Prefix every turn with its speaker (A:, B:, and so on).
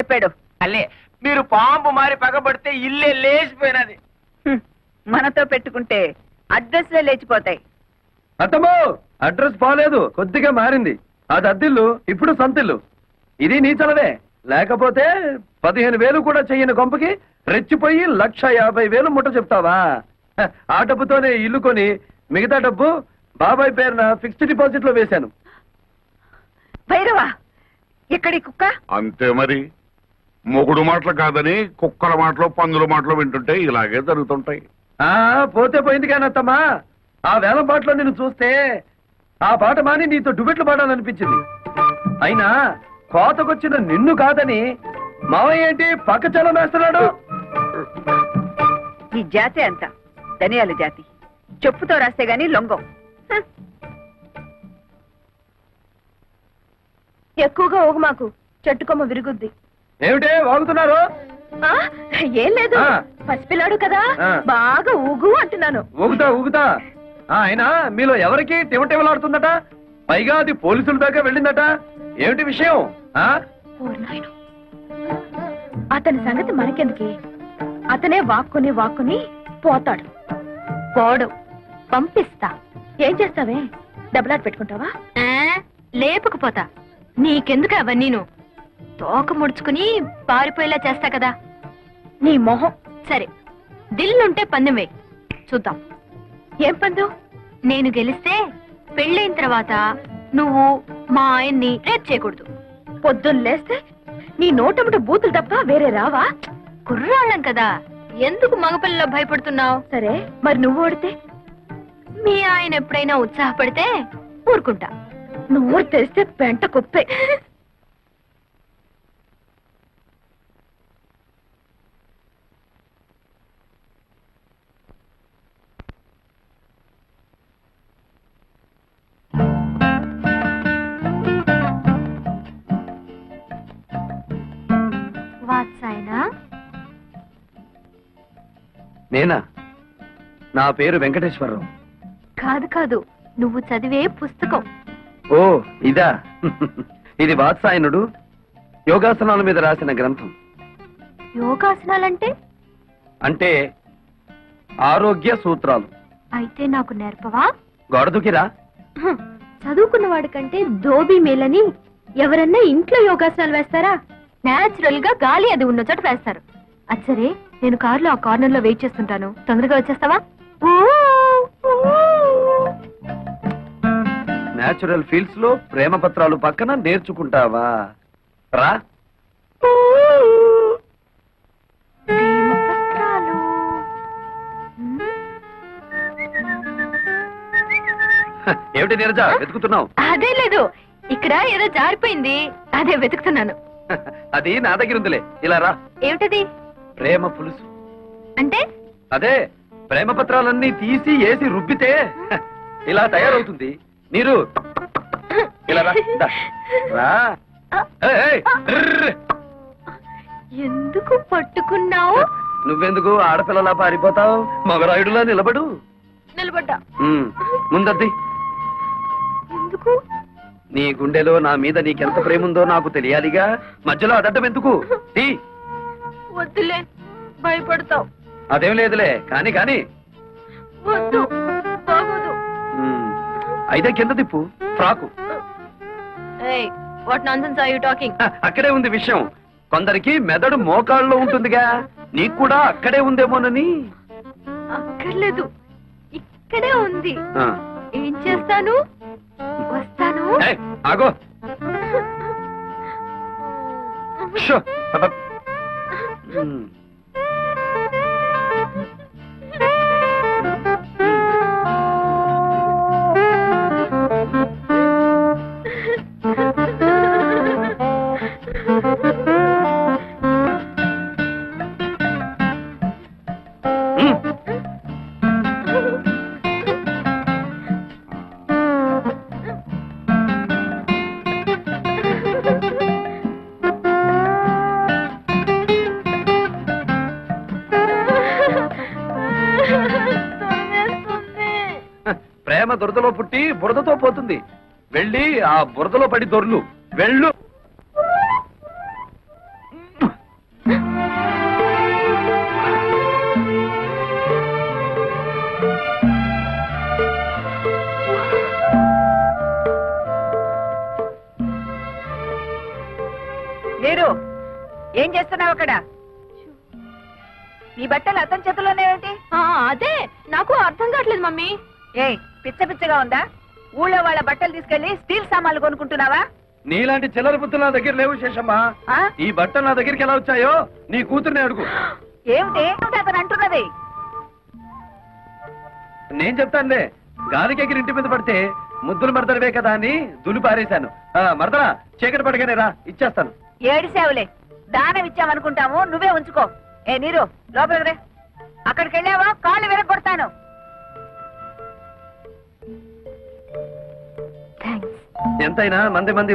A: చెప్పాడు?
B: అల్లే మీరు పాంపు మారి పగబడితే ఇల్లే లేచిపోయినది.
A: మనతో పెట్టుకుంటే అడ్రస్లే లేచిపోతాయి.
C: అత్తమ్మో, అడ్రస్ బాలేదు, కొద్దిగా మారింది. అది అద్దిల్లు, ఇప్పుడు సొంతిల్లు. ఇది నీ చలవే. లేకపోతే 15,000 కూడా చెయ్యని కొంపకి రెచ్చిపోయి 1,50,000 ముట్ట చెప్తావా? ఆ డబ్బుతోనే ఇల్లు కొని మిగతా డబ్బు బాబాయ్ పేరున ఫిక్స్డ్ డిపాజిట్ లో వేశాను.
A: భైరవా, ఎక్కడి కుక్క?
D: అంతే మరి. మొగుడు మాటలు కాదని కుక్కల మాటలు పందుల మాటలు వింటుంటే ఇలాగే జరుగుతుంటాయి.
C: పోతే పోయింది కానీ అత్తమ్మా, ఆ వేలం పాటలో నిన్ను చూస్తే ఆ పాట మాని నీతో డుబెట్లు పాడాలనిపించింది. అయినా కోతకొచ్చిన నిన్ను కాదని మావయ్య ఏంటి పక్క చలం వేస్తున్నాడు?
A: ఈ జాతి అంత ధనియాల జాతి. చెప్పుతో రాస్తే గాని లొంగం.
E: ఎక్కువగా ఊగు మాకు, చెట్టుకొమ్మ విరుగుద్ది.
C: ఏమిటే వాగుతున్నారు?
E: ఏం లేదు, పసిపిల్లాడు కదా, బాగా ఊగు అంటున్నాను.
C: ఊగుతా ఊగుతా. అయినా మీలో ఎవరికి టివటివలాడుతుందట? పైగా అది పోలీసుల దాకా వెళ్ళిందట. ఏమిటి విషయం?
E: అతని సంగతి మనకెందుకే? అతనే వాక్కుని వాక్కుని పోతాడు. పోడు, పంపిస్తా. ఏం చేస్తావే? డబ్బులాట పెట్టుకుంటావా? లేపుకుపోతా. నీకెందుకు అవన్నీను? తోక ముడుచుకుని పారిపోయేలా చేస్తా కదా. నీ మొహం. సరే, దిల్లుంటే పందెం వేయి, చూద్దాం. ఏం పందెం? నేను గెలిస్తే పెళ్ళైన తర్వాత నువ్వు మా ఆయన్ని రేప్ చేయకూడదు. పొద్దున్న లేస్తే నీ నోటముట బూతులు తప్ప వేరే రావా? కుర్రాళ్ళం కదా, ఎందుకు మగపిల్లలో భయపడుతున్నావు? సరే, మరి నువ్వు ఓడితే? మీ ఆయన ఎప్పుడైనా ఉత్సాహపడితే ఊరుకుంటా. నువ్వు తెరిస్తే పెంట కుప్పే.
C: నేనా? నా పేరు వెంకటేశ్వరరావు.
E: కాదు కాదు, నువ్వు చదివే పుస్తకం.
C: ఓ ఇదా? ఇది వాత్సాయనుడు యోగాసనాల మీద రాసిన గ్రంథం.
E: యోగాసనాలంటే?
C: అంటే ఆరోగ్య సూత్రాలు.
E: అయితే నాకు నేర్పవా?
C: గొడదుకిరా.
E: చదువుకున్న వాడికంటే దోబీ మేలని ఎవరన్నా ఇంట్లో యోగాసనాలు వేస్తారా? నేచురల్ గా గాలి అది ఉన్న చోట వేస్తారు. అచ్చరే, నేను కారులో ఆ కార్నర్ లో వెయిట్ చేస్తుంటాను, తొందరగా వచ్చేస్తావా?
C: నేచురల్ ఫీల్డ్స్ లో ప్రేమ పత్రాలు పక్కన నేర్చుకుంటావా? రా. ఏమిటి నీరజ వెతుకుతున్నావు?
E: అదే లేదు, ఇక్కడ ఏదో జారిపోయింది, అదే వెతుకుతున్నాను.
C: అది నా దగ్గర ఉందిలే, ఇలా రా.
E: ఏమిటది?
C: ప్రేమ పులుసు.
E: అంటే? అదే,
C: ప్రేమ పత్రాలన్నీ తీసి వేసి రుబ్బితే ఇలా తయారవుతుంది. నీరు ఇలా రా. రా.
E: ఎందుకు పట్టుకున్నావు?
C: నువ్వెందుకు ఆడపిల్లలా పారిపోతావు? మగరాయుడులా నిలబడు.
E: నిలబడ్డా.
C: ముందద్ది.
E: ఎందుకు?
C: నీ గుండెలో నా మీద నీకెంత ప్రేమ ఉందో నాకు తెలియాలిగా. మధ్యలో అదడ్డం ఎందుకు?
E: వద్దులే, భయపడతావు.
C: అదేం లేదులే, కాని కాని.
E: వద్దు, బాగోదు.
C: అయితే కింద తిప్పు frock.
E: What nonsense are you talking?
C: అక్కడే ఉంది విషయం. కొందరికి మెదడు మోకాళ్ళలో ఉంటుందిగా, నీకు కూడా అక్కడే ఉందేమోనని.
E: అక్కర్లేదు, ఇక్కడే ఉంది. ఏం చేస్తాను? వస్తాను.
C: ఆగో. ప్రేమ దురదలో పుట్టి బురదతో పోతుంది. వెళ్ళి ఆ బురదలో పడి దొర్లు. వెళ్ళు.
A: మీరు ఏం చేస్తున్నావు అక్కడ? నీ బట్టలు అతని చేతుల్లోనేమిటి?
E: అదే నాకు అర్థం కావట్లేదు మమ్మీ.
A: ఏయ్, పిచ్చ పిచ్చగా ఉందా? ఊళ్ళో వాళ్ళ బట్టలు తీసుకెళ్లి స్టీల్ సామాన్లు కొనుక్కుంటున్నావా?
C: నీలాంటి చిల్లర బుద్ధులు నా దగ్గర లేవు శేషమ్మా.
A: ఆ?
C: ఈ బట్టలు నా దగ్గరికి ఎలా వచ్చాయో నీ కూతుర్ని అడుగు.
A: ఏమిటి అతను అంటున్నది?
C: నేను చెప్తానులే, గాలికి ఎగిరి ఇంటి మీద పడితే ముద్దులు మరదలవే కదా అని దులు పారేశాను. మరదలా చీకటి పడగానే రా, ఇచ్చేస్తాను.
A: ఏడిసేవులే, దానం ఇచ్చామనుకుంటాము, నువ్వే ఉంచుకో. ఏ నీరు, లోపలికి రే. అక్కడికి వెళ్ళావా కాళ్ళు విరగొడతాను.
E: థ్యాంక్స్.
C: ఎంతైనా మంది